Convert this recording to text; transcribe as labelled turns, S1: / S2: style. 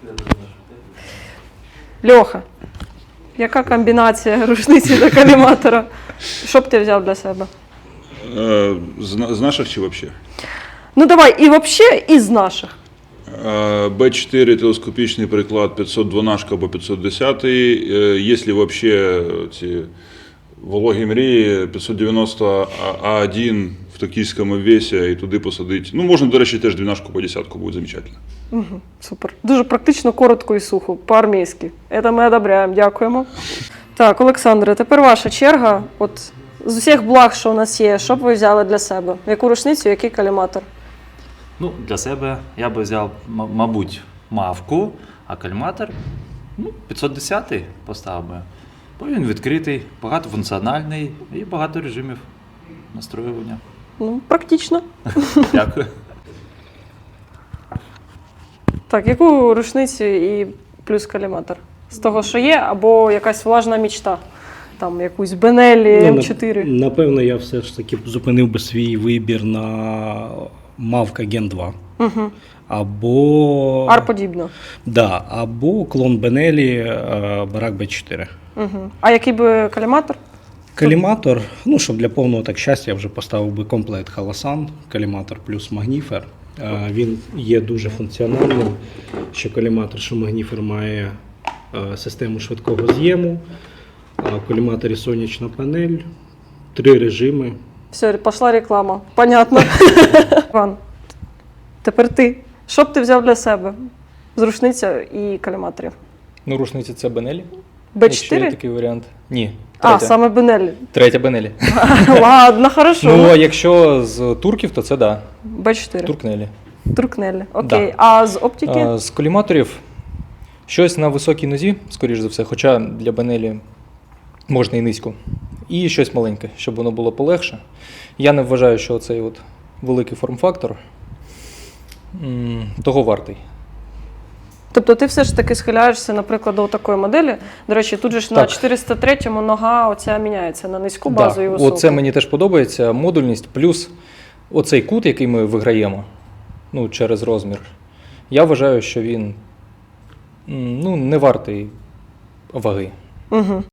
S1: Льоха, яка комбінація рушниці та коліматора? Що б ти взяв для себе?
S2: З наших чи взагалі?
S1: Ну давай, і взагалі, і з наших.
S2: Б4 телескопічний приклад 512 або 510. Якщо взагалі ці вологі мрії, 590 А1 в токійському весі і туди посадити. Ну, можна, до речі, теж 12 по 10 буде замечательно.
S1: Угу, супер. Дуже практично, коротко і сухо, по-армійськи. Це ми одобряємо, дякуємо. Так, Олександре, тепер ваша черга. От з усіх благ, що у нас є, що б ви взяли для себе? Яку рушницю, який коліматор?
S3: Ну, для себе я би взяв, мабуть, мавку, а каліматор 510-й поставив би. Бо він відкритий, багатофункціональний і багато режимів настроювання.
S1: Ну, практично.
S3: Дякую.
S1: Так, яку рушницю і плюс коліматор? З того, що є, або якась влажна мічта? Там якусь Бенеллі М4?
S4: Напевно, я все ж таки зупинив би свій вибір на Мавка Gen 2.
S1: Угу.
S4: Або...
S1: Ар-подібно.
S4: Да, або клон Бенеллі Барак Б4.
S1: Угу. А який би коліматор?
S4: Коліматор, ну, щоб для повного так щастя, я вже поставив би комплект Халасан, коліматор плюс магніфер. Він є дуже функціональним, що коліматор, що магніфер має систему швидкого з'єму, в коліматорі сонячна панель, 3 режими.
S1: Все, пішла реклама. Понятно. Іван, тепер ти. Що б ти взяв для себе з рушниця і коліматорів?
S5: Ну, рушниці це Бенелі. Якщо є
S1: Б4?
S5: такий варіант. Ні.
S1: А, саме Бенеллі.
S5: Третя Бенелі.
S1: Ладно, хорошо.
S5: Ну, а якщо з турків, то це да.
S1: Б4.
S5: Туркнелі.
S1: Туркнелі. Окей.
S5: Да.
S1: А з оптики?
S5: З коліматорів щось на високій нозі, скоріш за все, хоча для Бенелі можна і низько. І щось маленьке, щоб воно було полегше. Я не вважаю, що цей от великий форм-фактор того вартий.
S1: Тобто ти все ж таки схиляєшся, наприклад, до такої моделі. До речі, тут же ж на 403-му нога оця міняється на низьку базу і високу.
S5: Оце мені теж подобається. Модульність плюс оцей кут, який ми виграємо, ну, через розмір. Я вважаю, що він не вартий ваги.
S1: Угу.